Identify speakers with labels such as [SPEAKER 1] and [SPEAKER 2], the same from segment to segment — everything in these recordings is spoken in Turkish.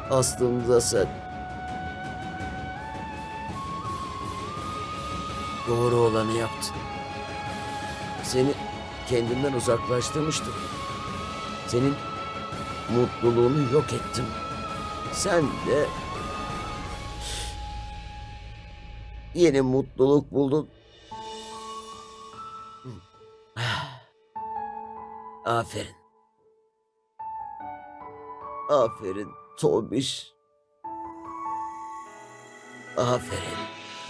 [SPEAKER 1] Aslında sen doğru olanı yaptın. Seni kendimden uzaklaştırmıştım. Senin mutluluğunu yok ettim. Sen de yeni mutluluk buldun. Aferin. Aferin Tomiş. Aferin.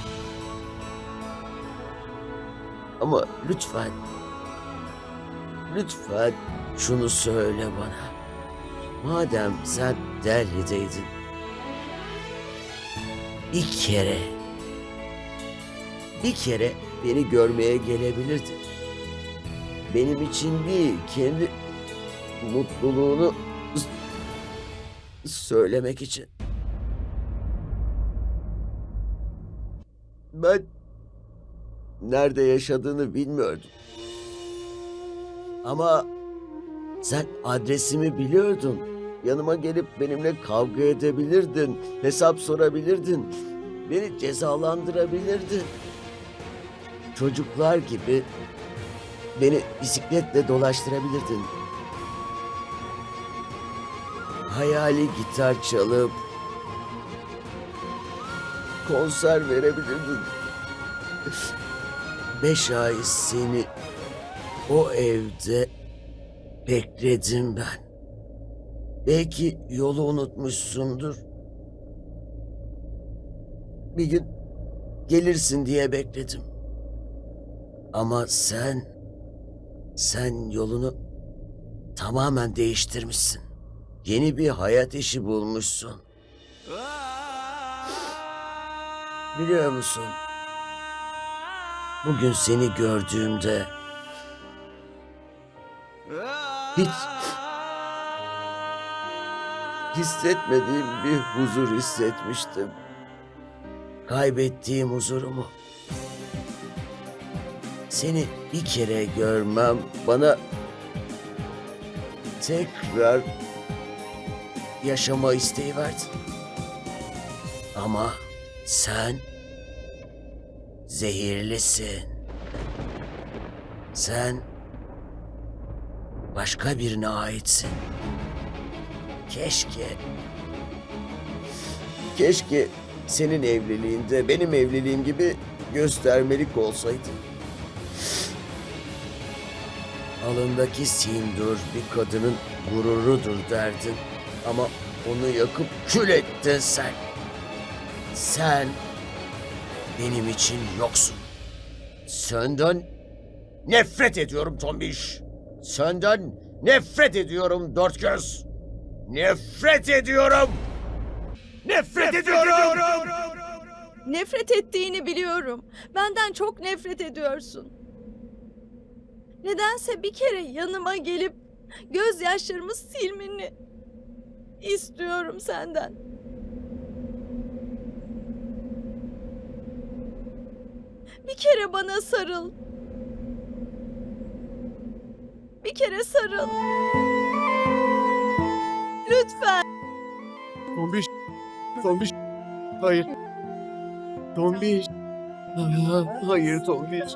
[SPEAKER 1] Ama lütfen, lütfen şunu söyle bana. Madem sen Delhi'deydin, bir kere beni görmeye gelebilirdin. Benim için değil, kendi mutluluğunu söylemek için. Ben nerede yaşadığını bilmiyordum. Ama sen adresimi biliyordun. Yanıma gelip benimle kavga edebilirdin, hesap sorabilirdin, beni cezalandırabilirdin. Çocuklar gibi beni bisikletle dolaştırabilirdin. Hayali gitar çalıp konser verebilirdin. 5 ay seni o evde bekledim ben. Belki yolu unutmuşsundur. Bir gün gelirsin diye bekledim. Ama sen yolunu tamamen değiştirmişsin. Yeni bir hayat işi bulmuşsun. Biliyor musun? Bugün seni gördüğümde hiç hissetmediğim bir huzur hissetmiştim. Kaybettiğim huzurumu. Seni bir kere görmem bana tekrar yaşama isteği verdi. Ama sen zehirlisin. Sen başka birine aitsin. Keşke senin evliliğinde benim evliliğim gibi göstermelik olsaydı. Alındaki sindur bir kadının gururudur derdin. Ama onu yakıp kül ettin sen. Sen benim için yoksun. Senden nefret ediyorum Tombiş. Senden nefret ediyorum dört göz. Nefret ediyorum. Nefret ediyorum.
[SPEAKER 2] Nefret ettiğini biliyorum. Benden çok nefret ediyorsun. Nedense bir kere yanıma gelip gözyaşlarımı silmeni istiyorum senden. Bir kere bana sarıl. Bir kere sarıl. Lütfen.
[SPEAKER 3] Tombiş. Tombiş. Hayır. Tombiş. Hayır Tombiş.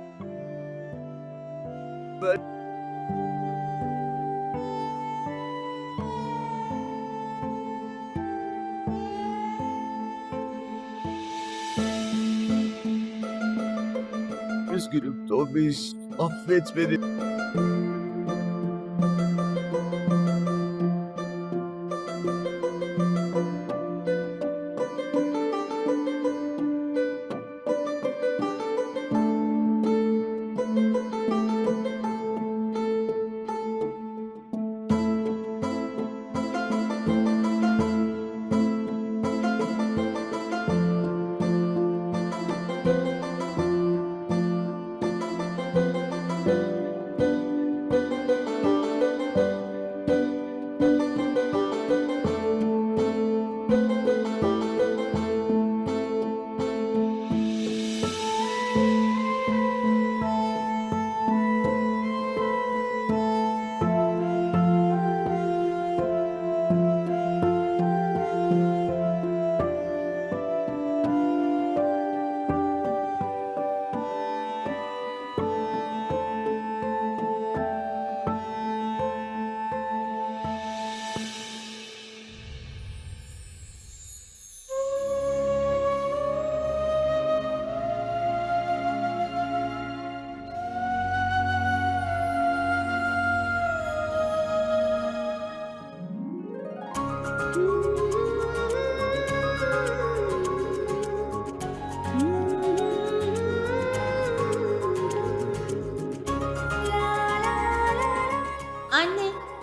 [SPEAKER 3] Üzgünüm Tombiş. Affet beni.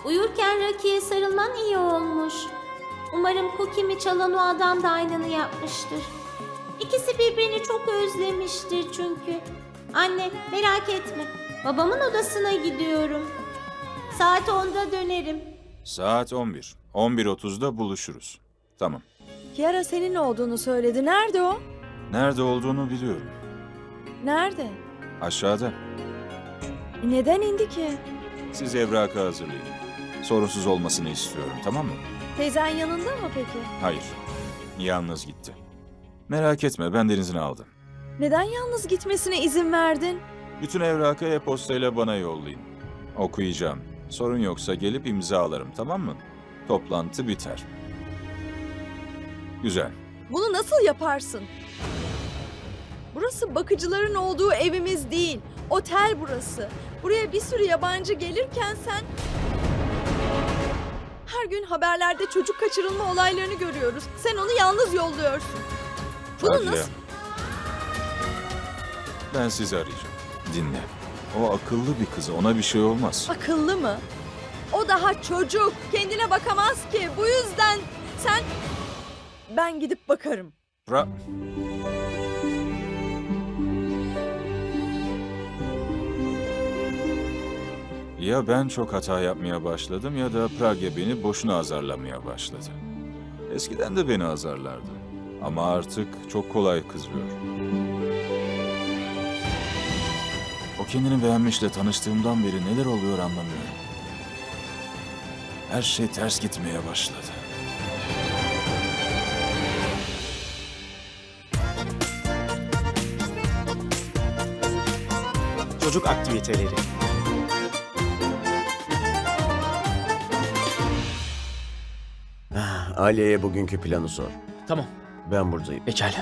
[SPEAKER 4] Uyurken Rocky'ye sarılman iyi olmuş. Umarım Cookie'mi çalan o adam da aynını yapmıştır. İkisi birbirini çok özlemiştir çünkü. Anne, merak etme. Babamın odasına gidiyorum. Saat 10'da dönerim.
[SPEAKER 5] Saat 11. 11.30'da buluşuruz. Tamam.
[SPEAKER 2] Kiara senin olduğunu söyledi. Nerede o?
[SPEAKER 5] Nerede olduğunu biliyorum.
[SPEAKER 2] Nerede?
[SPEAKER 5] Aşağıda.
[SPEAKER 2] Neden indi ki?
[SPEAKER 5] Siz evrakı hazırlayın. Sorunsuz olmasını istiyorum, tamam mı?
[SPEAKER 2] Teyzen yanında mı peki?
[SPEAKER 5] Hayır. Yalnız gitti. Merak etme, ben denizini aldım.
[SPEAKER 2] Neden yalnız gitmesine izin verdin?
[SPEAKER 5] Bütün evrakı e-postayla bana yollayın. Okuyacağım. Sorun yoksa gelip imzalarım, tamam mı? Toplantı biter. Güzel.
[SPEAKER 2] Bunu nasıl yaparsın? Burası bakıcıların olduğu evimiz değil. Otel burası. Buraya bir sürü yabancı gelirken sen... Her gün haberlerde çocuk kaçırılma olaylarını görüyoruz. Sen onu yalnız yolluyorsun. Bunu
[SPEAKER 5] Hadi ya.
[SPEAKER 2] nasıl...
[SPEAKER 5] Ben sizi arayacağım. Dinle. O akıllı bir kız, ona bir şey olmaz.
[SPEAKER 2] Akıllı mı? O daha çocuk. Kendine bakamaz ki. Bu yüzden sen... Ben gidip bakarım.
[SPEAKER 5] Ya ben çok hata yapmaya başladım ya da Pragya beni boşuna azarlamaya başladı. Eskiden de beni azarlardı. Ama artık çok kolay kızıyor. O kendini beğenmişle tanıştığımdan beri neler oluyor anlamıyorum. Her şey ters gitmeye başladı.
[SPEAKER 6] Çocuk aktiviteleri.
[SPEAKER 1] Aliye'ye bugünkü planı sor.
[SPEAKER 6] Tamam,
[SPEAKER 1] Ben buradayım.
[SPEAKER 6] pekala.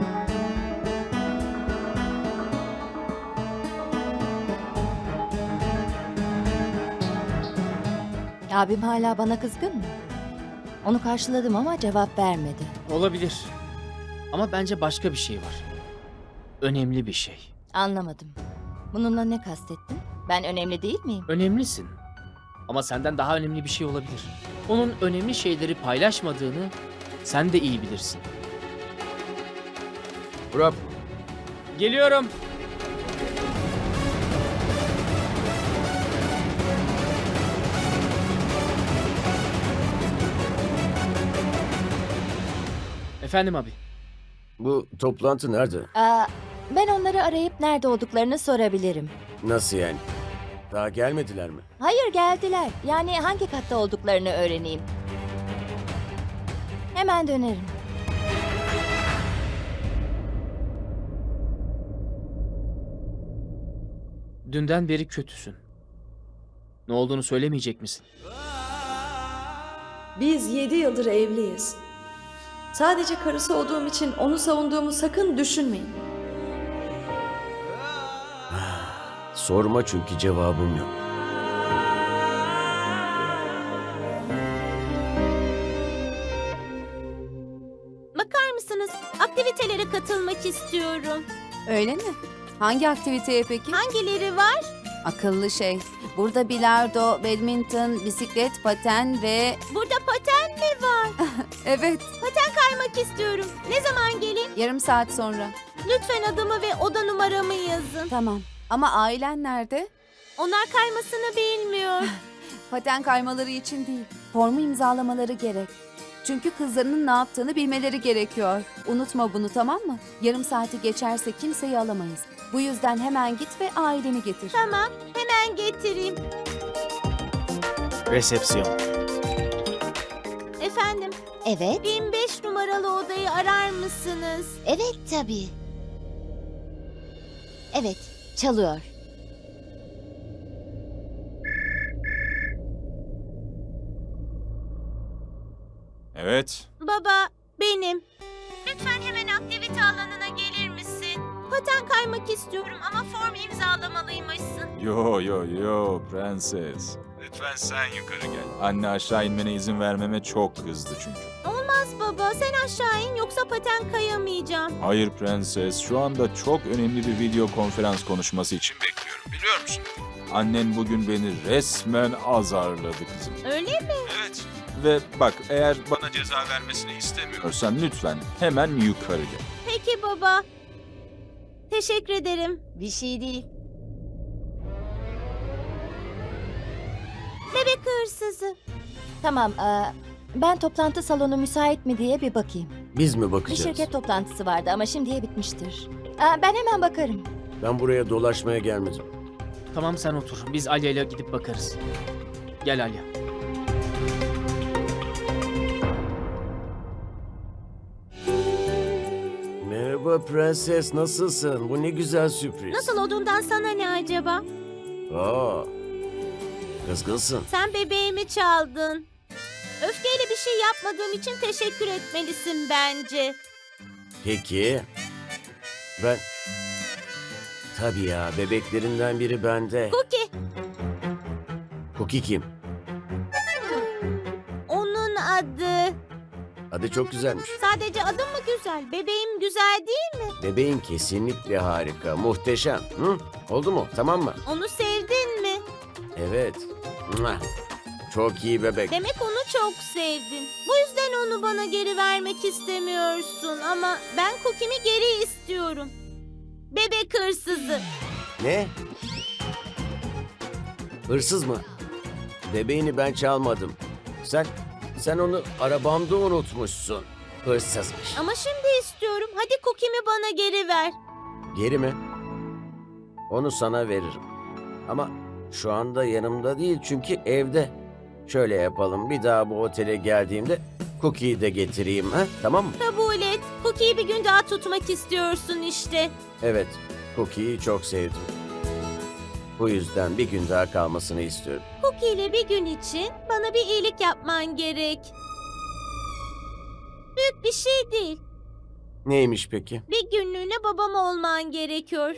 [SPEAKER 7] Abim hala bana kızgın mı? Onu karşıladım ama cevap vermedi.
[SPEAKER 6] Olabilir. Ama bence başka bir şey var. Önemli bir şey.
[SPEAKER 7] Anlamadım. Bununla ne kastettin? Ben önemli değil miyim?
[SPEAKER 6] Önemlisin. Ama senden daha önemli bir şey olabilir. Onun önemli şeyleri paylaşmadığını sen de iyi bilirsin.
[SPEAKER 3] Burak,
[SPEAKER 6] Geliyorum. Efendim abi.
[SPEAKER 1] Bu toplantı nerede?
[SPEAKER 7] Ben onları arayıp nerede olduklarını sorabilirim.
[SPEAKER 1] Nasıl yani? Daha gelmediler mi?
[SPEAKER 7] Hayır, geldiler. Yani hangi katta olduklarını öğreneyim. Hemen dönerim.
[SPEAKER 6] Dünden beri kötüsün. Ne olduğunu söylemeyecek misin?
[SPEAKER 2] Biz 7 yıldır evliyiz. Sadece karısı olduğum için onu savunduğumu sakın düşünmeyin.
[SPEAKER 1] Sorma çünkü cevabım yok.
[SPEAKER 4] Bakar mısınız? Aktivitelere katılmak istiyorum.
[SPEAKER 8] Öyle mi? Hangi aktiviteye peki?
[SPEAKER 4] Hangileri var?
[SPEAKER 8] Akıllı şey. Burada bilardo, badminton, bisiklet, paten ve...
[SPEAKER 4] Burada paten mi var?
[SPEAKER 8] Evet,
[SPEAKER 4] Paten kaymak istiyorum. Ne zaman geleyim?
[SPEAKER 8] yarım saat sonra.
[SPEAKER 4] Lütfen adımı ve oda numaramı yazın.
[SPEAKER 8] Tamam. Ama ailen nerede?
[SPEAKER 4] Onlar kaymasını bilmiyor.
[SPEAKER 8] Paten kaymaları için değil. Formu imzalamaları gerek. Çünkü kızlarının ne yaptığını bilmeleri gerekiyor. Unutma bunu, tamam mı? Yarım saati geçerse kimseyi alamayız. Bu yüzden hemen git ve aileni getir.
[SPEAKER 4] Tamam, hemen getireyim.
[SPEAKER 6] Resepsiyon.
[SPEAKER 4] Efendim,
[SPEAKER 7] Evet,
[SPEAKER 4] 1005 numaralı odayı arar mısınız?
[SPEAKER 7] evet tabii. Evet, çalıyor.
[SPEAKER 5] Evet.
[SPEAKER 4] Baba, benim. Lütfen hemen aktivite alanına gelir misin? Paten kaymak istiyorum ama form imzalamalıymışsın.
[SPEAKER 5] Yo prenses. Lütfen sen yukarı gel. Anne aşağı inmene izin vermeme çok kızdı çünkü.
[SPEAKER 4] Olmaz Olmaz baba. Sen aşağı in yoksa paten kayamayacağım.
[SPEAKER 5] Hayır prenses, şu anda çok önemli bir video konferans konuşması için bekliyorum, biliyor musun? Annen bugün beni resmen azarladı kızım.
[SPEAKER 4] Öyle mi?
[SPEAKER 5] Evet. Ve bak, eğer bana ceza vermesini istemiyorsan lütfen hemen yukarı gel.
[SPEAKER 4] Peki baba. Teşekkür ederim.
[SPEAKER 7] Bir şey değil.
[SPEAKER 4] Bebek hırsızı.
[SPEAKER 7] Tamam, ben toplantı salonu müsait mi diye bir bakayım.
[SPEAKER 1] Biz mi
[SPEAKER 7] Bir
[SPEAKER 1] bakacağız?
[SPEAKER 7] şirket toplantısı vardı ama şimdiye bitmiştir. Ben hemen bakarım.
[SPEAKER 1] Ben buraya dolaşmaya gelmedim.
[SPEAKER 6] Tamam sen otur. Biz Alya ile gidip bakarız. Gel Alya.
[SPEAKER 1] Merhaba prenses, nasılsın? Bu ne güzel sürpriz.
[SPEAKER 4] Nasıl olduğundan sana ne acaba?
[SPEAKER 1] Aa, kızgınsın.
[SPEAKER 4] Sen bebeğimi çaldın. Öfkeyle bir şey yapmadığım için teşekkür etmelisin bence.
[SPEAKER 1] Peki. Ben... Tabii ya, bebeklerinden biri bende.
[SPEAKER 4] Cookie,
[SPEAKER 1] Cookie kim?
[SPEAKER 4] onun adı.
[SPEAKER 1] Adı çok güzelmiş.
[SPEAKER 4] Sadece adı mı güzel? Bebeğim güzel değil mi?
[SPEAKER 1] Bebeğin kesinlikle harika, muhteşem. Hı? Oldu mu? Tamam mı?
[SPEAKER 4] Onu sevdin mi?
[SPEAKER 1] Evet. Mwah! Çok iyi bebek.
[SPEAKER 4] Demek onu çok sevdin. Bu yüzden onu bana geri vermek istemiyorsun. Ama ben Cookie'mi geri istiyorum. Bebek hırsızı.
[SPEAKER 1] Ne? Hırsız mı? Bebeğini ben çalmadım. Sen onu arabamda unutmuşsun. Hırsızmış.
[SPEAKER 4] Ama şimdi istiyorum. Hadi Cookie'mi bana geri ver.
[SPEAKER 1] Geri mi? Onu sana veririm. Ama şu anda yanımda değil çünkü evde. Şöyle yapalım. Bir daha bu otele geldiğimde Cookie'yi de getireyim. Ha? Tamam mı?
[SPEAKER 4] Kabul et. Cookie'yi bir gün daha tutmak istiyorsun işte.
[SPEAKER 1] Evet. Cookie'yi çok sevdim. Bu yüzden bir gün daha kalmasını istiyorum.
[SPEAKER 4] Cookie ile bir gün için bana bir iyilik yapman gerek. Büyük bir şey değil.
[SPEAKER 1] Neymiş peki?
[SPEAKER 4] Bir günlüğüne babam olman gerekiyor.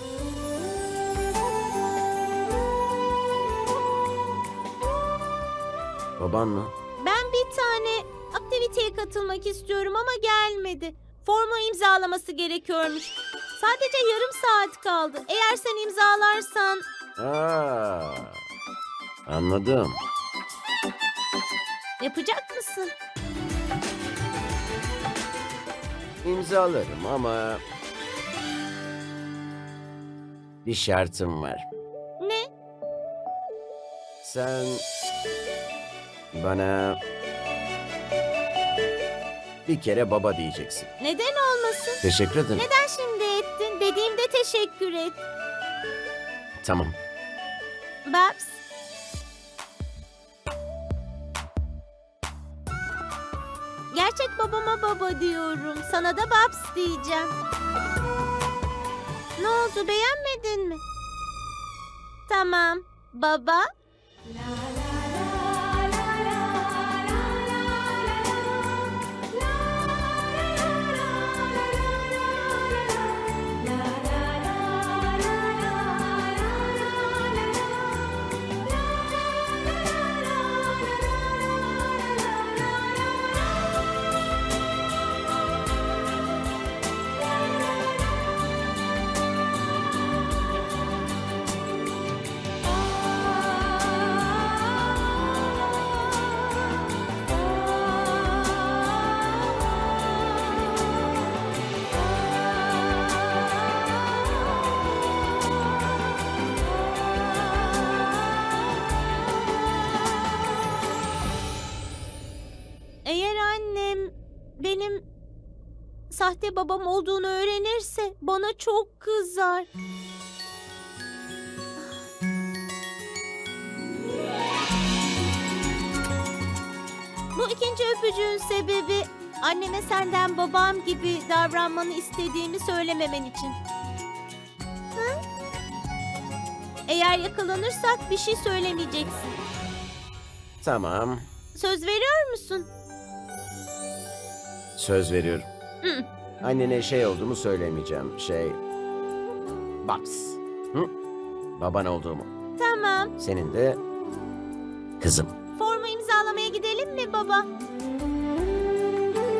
[SPEAKER 1] Baban mı?
[SPEAKER 4] Ben bir tane aktiviteye katılmak istiyorum ama gelmedi. Formu imzalaması gerekiyormuş. Sadece yarım saat kaldı. Eğer sen imzalarsan...
[SPEAKER 1] Aa, anladım.
[SPEAKER 4] Yapacak mısın?
[SPEAKER 1] İmzalarım ama bir şartım var.
[SPEAKER 4] Ne?
[SPEAKER 1] Sen bana bir kere baba diyeceksin.
[SPEAKER 4] Neden olmasın?
[SPEAKER 1] Teşekkür ederim.
[SPEAKER 4] Neden şimdi ettin? Dediğimde teşekkür et.
[SPEAKER 1] Tamam.
[SPEAKER 4] Babs. Gerçek babama baba diyorum. Sana da Babs diyeceğim. Ne oldu, beğenmedin mi? Tamam. Baba. Eğer annem benim sahte babam olduğunu öğrenirse bana çok kızar. Bu ikinci öpücüğün sebebi anneme senden babam gibi davranmanı istediğimi söylememen için. Hı? Eğer yakalanırsak bir şey söylemeyeceksin.
[SPEAKER 1] Tamam.
[SPEAKER 4] Söz veriyor musun?
[SPEAKER 1] Söz veriyorum.
[SPEAKER 4] Hı.
[SPEAKER 1] Annene şey olduğumu söylemeyeceğim. Babs. Hı? Baban olduğumu.
[SPEAKER 4] Tamam.
[SPEAKER 1] Senin de kızım.
[SPEAKER 4] Formu imzalamaya gidelim mi baba?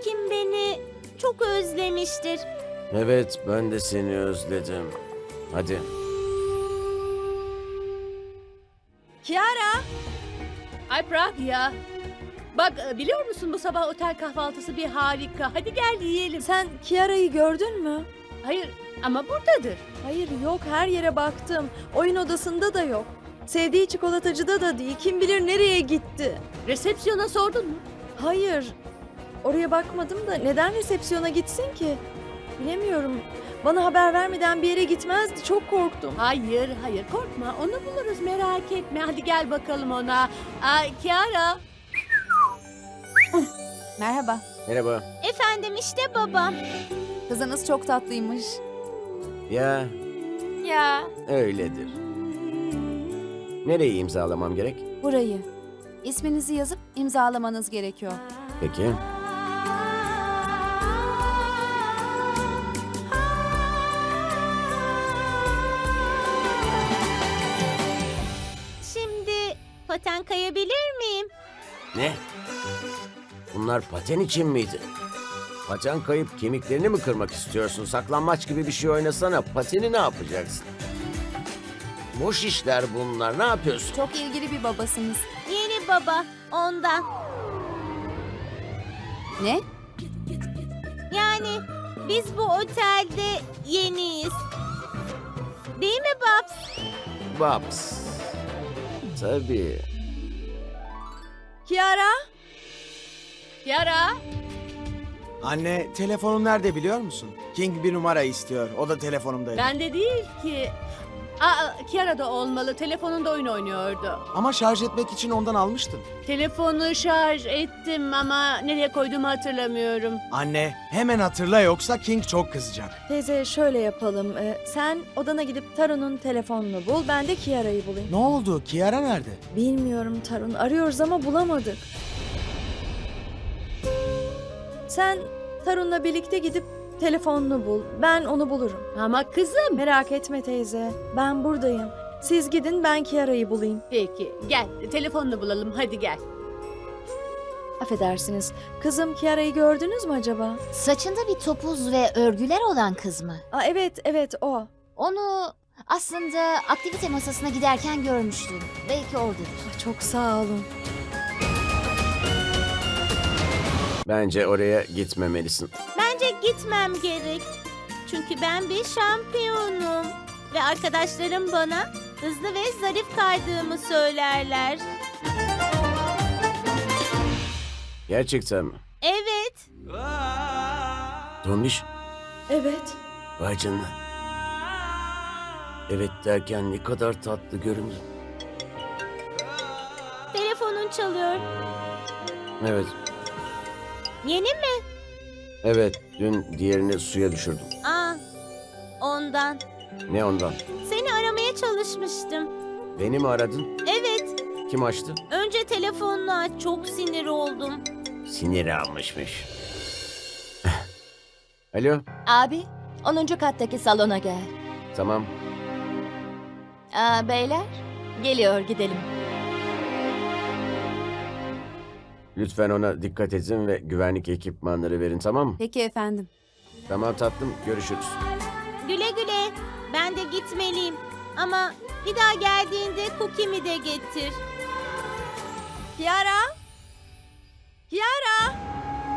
[SPEAKER 4] Cookie'm beni çok özlemiştir.
[SPEAKER 1] Evet, ben de seni özledim. Hadi.
[SPEAKER 2] Kiara!
[SPEAKER 9] Ay Pragya. Bak biliyor musun bu sabah otel kahvaltısı bir harika. Hadi gel yiyelim.
[SPEAKER 2] Sen Kiara'yı gördün mü?
[SPEAKER 9] Hayır ama buradadır.
[SPEAKER 2] Hayır yok, her yere baktım. Oyun odasında da yok. Sevdiği çikolatacıda da değil. Kim bilir nereye gitti.
[SPEAKER 9] Resepsiyona sordun mu?
[SPEAKER 2] Hayır. Oraya bakmadım da neden resepsiyona gitsin ki? Bilemiyorum. Bana haber vermeden bir yere gitmezdi. Çok korktum.
[SPEAKER 9] Hayır korkma onu buluruz merak etme. Hadi gel bakalım ona. Ay Kiara.
[SPEAKER 8] Merhaba.
[SPEAKER 1] Merhaba.
[SPEAKER 4] Efendim işte babam.
[SPEAKER 8] Kızınız çok tatlıymış.
[SPEAKER 1] Ya,
[SPEAKER 4] Ya.
[SPEAKER 1] öyledir. Nereyi imzalamam gerek?
[SPEAKER 8] Burayı. İsminizi yazıp imzalamanız gerekiyor.
[SPEAKER 1] Peki.
[SPEAKER 4] Şimdi paten kayabilir miyim?
[SPEAKER 1] Ne? Bunlar paten için miydi? Paten kayıp kemiklerini mi kırmak istiyorsun? Saklambaç gibi bir şey oynasana. Pateni ne yapacaksın? Boş işler bunlar. Ne yapıyorsun?
[SPEAKER 8] Çok ilgili bir babasınız.
[SPEAKER 4] Yeni baba ondan.
[SPEAKER 8] Ne?
[SPEAKER 4] Yani biz bu otelde yeniyiz. Değil mi Babs?
[SPEAKER 1] Babs. Tabii.
[SPEAKER 2] Kiara!
[SPEAKER 9] Kiara.
[SPEAKER 10] Anne, telefonun nerede biliyor musun? King bir numara istiyor. O da telefonumda.
[SPEAKER 9] Bende değil ki. Kiara'da olmalı. Telefonunda oyun oynuyordu.
[SPEAKER 10] Ama şarj etmek için ondan almıştım.
[SPEAKER 9] Telefonu şarj ettim ama nereye koyduğumu hatırlamıyorum.
[SPEAKER 10] Anne, hemen hatırla yoksa King çok kızacak.
[SPEAKER 2] Teyze şöyle yapalım. Sen odana gidip Tarun'un telefonunu bul. Ben de Kiara'yı bulayım.
[SPEAKER 10] Ne oldu? Kiara nerede?
[SPEAKER 2] Bilmiyorum Tarun. Arıyoruz ama bulamadık. Sen Tarun'la birlikte gidip telefonunu bul. Ben onu bulurum.
[SPEAKER 9] Ama kızım.
[SPEAKER 2] Merak etme teyze. Ben buradayım. Siz gidin, ben Kiara'yı bulayım.
[SPEAKER 9] Peki gel telefonunu bulalım hadi gel.
[SPEAKER 2] Affedersiniz. Kızım Kiara'yı gördünüz mü acaba?
[SPEAKER 7] Saçında bir topuz ve örgüler olan kız mı?
[SPEAKER 2] Evet o.
[SPEAKER 7] Onu aslında aktivite masasına giderken görmüştüm. Belki oradadır.
[SPEAKER 2] Çok sağ olun.
[SPEAKER 1] Bence oraya gitmemelisin.
[SPEAKER 4] Bence gitmem gerek. Çünkü ben bir şampiyonum. Ve arkadaşlarım bana hızlı ve zarif kaydığımı söylerler.
[SPEAKER 1] Gerçekten mi?
[SPEAKER 4] Evet.
[SPEAKER 1] Tombiş,
[SPEAKER 2] Evet.
[SPEAKER 1] vay canına. Evet derken ne kadar tatlı göründü.
[SPEAKER 4] Telefonun çalıyor.
[SPEAKER 1] Evet,
[SPEAKER 4] Yeni mi?
[SPEAKER 1] evet. Dün diğerini suya düşürdüm.
[SPEAKER 4] Ondan.
[SPEAKER 1] Ne ondan?
[SPEAKER 4] Seni aramaya çalışmıştım.
[SPEAKER 1] Beni mi aradın?
[SPEAKER 4] Evet.
[SPEAKER 1] Kim açtı?
[SPEAKER 4] Önce telefonunu aç. Çok sinir oldum.
[SPEAKER 1] Siniri almışmış. Alo,
[SPEAKER 7] Abi, 10. kattaki salona gel.
[SPEAKER 1] tamam.
[SPEAKER 7] Beyler, geliyor gidelim.
[SPEAKER 1] Lütfen ona dikkat edin ve güvenlik ekipmanları verin, tamam mı?
[SPEAKER 8] Peki efendim.
[SPEAKER 1] Tamam tatlım, görüşürüz.
[SPEAKER 4] Güle güle. Ben de gitmeliyim. Ama bir daha geldiğinde Cookie'mi de getir.
[SPEAKER 2] Kiara! Kiara!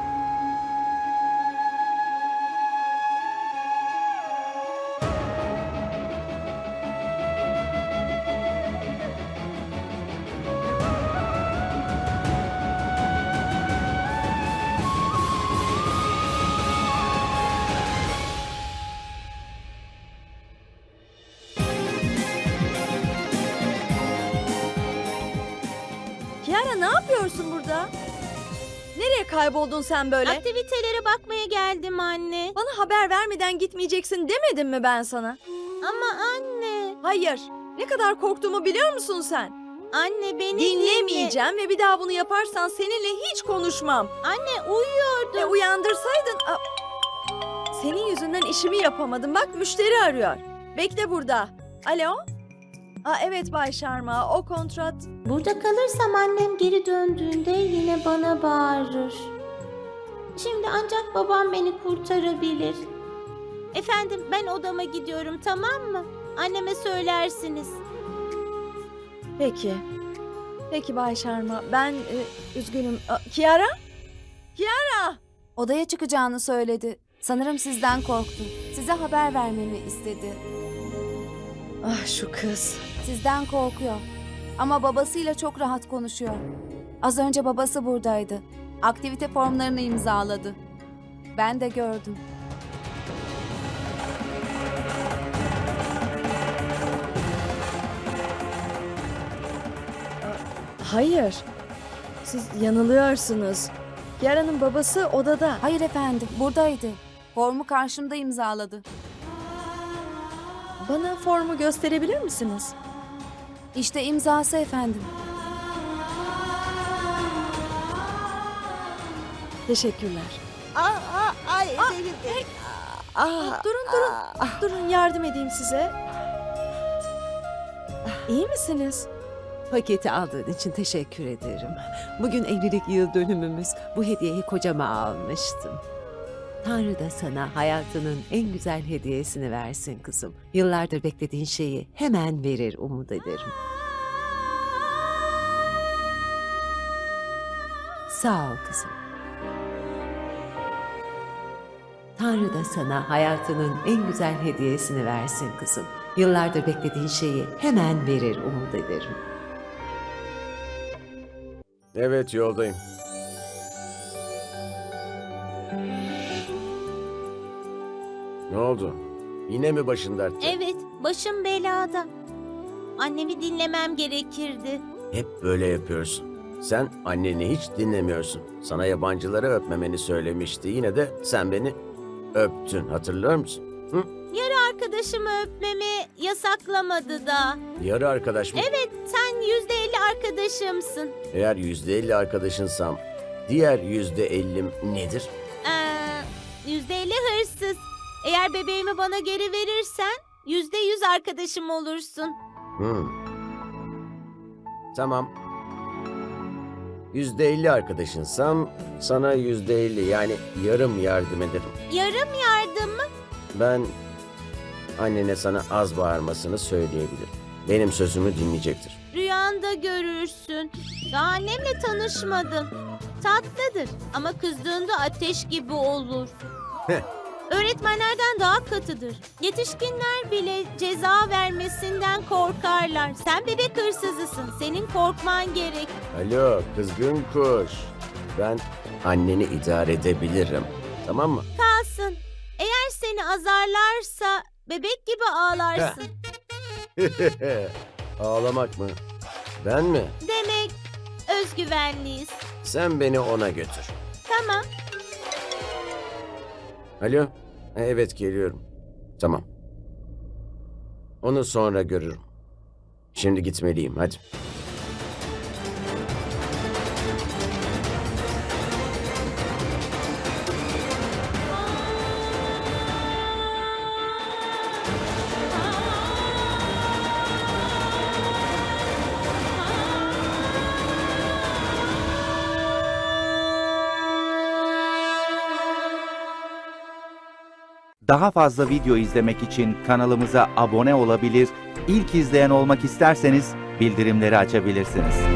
[SPEAKER 2] Kiara ne yapıyorsun burada? Nereye kayboldun sen böyle?
[SPEAKER 4] Aktivitelere bakmaya geldim anne.
[SPEAKER 2] Bana haber vermeden gitmeyeceksin demedim mi ben sana?
[SPEAKER 4] Ama anne.
[SPEAKER 2] Hayır. Ne kadar korktuğumu biliyor musun sen?
[SPEAKER 4] Anne beni
[SPEAKER 2] Dinlemeyeceğim ve bir daha bunu yaparsan seninle hiç konuşmam.
[SPEAKER 4] Anne uyuyordum.
[SPEAKER 2] Uyandırsaydın... Senin yüzünden işimi yapamadım. Bak müşteri arıyor. Bekle burada. Alo? Evet Bay Sharma. O kontrat...
[SPEAKER 4] Burada kalırsam annem geri döndüğünde yine bana bağırır. Şimdi ancak babam beni kurtarabilir. Efendim, ben odama gidiyorum, tamam mı? Anneme söylersiniz.
[SPEAKER 2] Peki. Peki Bay Sharma. Ben üzgünüm. Kiara? Kiara!
[SPEAKER 8] Odaya çıkacağını söyledi. Sanırım sizden korktu. Size haber vermemi istedi.
[SPEAKER 2] Ah şu kız.
[SPEAKER 8] Sizden korkuyor. Ama babasıyla çok rahat konuşuyor. Az önce babası buradaydı. Aktivite formlarını imzaladı. Ben de gördüm.
[SPEAKER 2] Hayır. Siz yanılıyorsunuz. Kiara'nın babası odada.
[SPEAKER 8] Hayır efendim, buradaydı. Formu karşımda imzaladı.
[SPEAKER 2] Bana formu gösterebilir misiniz?
[SPEAKER 8] İşte imzası efendim.
[SPEAKER 2] Teşekkürler.
[SPEAKER 11] Ay benim de.
[SPEAKER 2] Durun yardım edeyim size. İyi misiniz?
[SPEAKER 11] Paketi aldığın için teşekkür ederim. Bugün evlilik yıl dönümümüz. Bu hediyeyi kocama almıştım. Tanrı da sana hayatının en güzel hediyesini versin kızım. Yıllardır beklediğin şeyi hemen verir umut ederim. Sağ ol kızım. Tanrı da sana hayatının en güzel hediyesini versin kızım. Yıllardır beklediğin şeyi hemen verir umut ederim.
[SPEAKER 1] Evet, yoldayım. Ne oldu? Yine mi başın dertte?
[SPEAKER 4] Evet, başım belada. Annemi dinlemem gerekirdi.
[SPEAKER 1] Hep böyle yapıyorsun. Sen anneni hiç dinlemiyorsun. Sana yabancıları öpmemeni söylemişti. Yine de sen beni öptün. Hatırlıyor musun? Hı?
[SPEAKER 4] Arkadaşımı öpmemi yasaklamadı da.
[SPEAKER 1] Yarı arkadaş mı?
[SPEAKER 4] Evet, sen %50 arkadaşımsın.
[SPEAKER 1] Eğer %50 arkadaşınsam diğer %50'm nedir?
[SPEAKER 4] %50 hırsız. Eğer bebeğimi bana geri verirsen %100 arkadaşım olursun.
[SPEAKER 1] Tamam. %50 arkadaşınsam sana %50 yani yarım yardım ederim.
[SPEAKER 4] Yarım yardım mı?
[SPEAKER 1] Ben annene sana az bağırmasını söyleyebilirim. Benim sözümü dinleyecektir.
[SPEAKER 4] Rüyanda görürsün. Daha annemle tanışmadın. Tatlıdır ama kızdığında ateş gibi olur.
[SPEAKER 1] Heh.
[SPEAKER 4] Öğretmenlerden daha katıdır. Yetişkinler bile ceza vermesinden korkarlar. Sen bebek hırsızısın. Senin korkman gerek.
[SPEAKER 1] Alo kızgın kuş. Ben anneni idare edebilirim. Tamam mı?
[SPEAKER 4] Kalsın. Eğer seni azarlarsa bebek gibi ağlarsın.
[SPEAKER 1] Ağlamak mı? Ben mi?
[SPEAKER 4] Demek özgüvenliyiz.
[SPEAKER 1] Sen beni ona götür.
[SPEAKER 4] Tamam.
[SPEAKER 1] Alo? Evet geliyorum. Tamam. Onu sonra görürüm. Şimdi gitmeliyim hadi.
[SPEAKER 12] Daha fazla video izlemek için kanalımıza abone olabilir, ilk izleyen olmak isterseniz bildirimleri açabilirsiniz.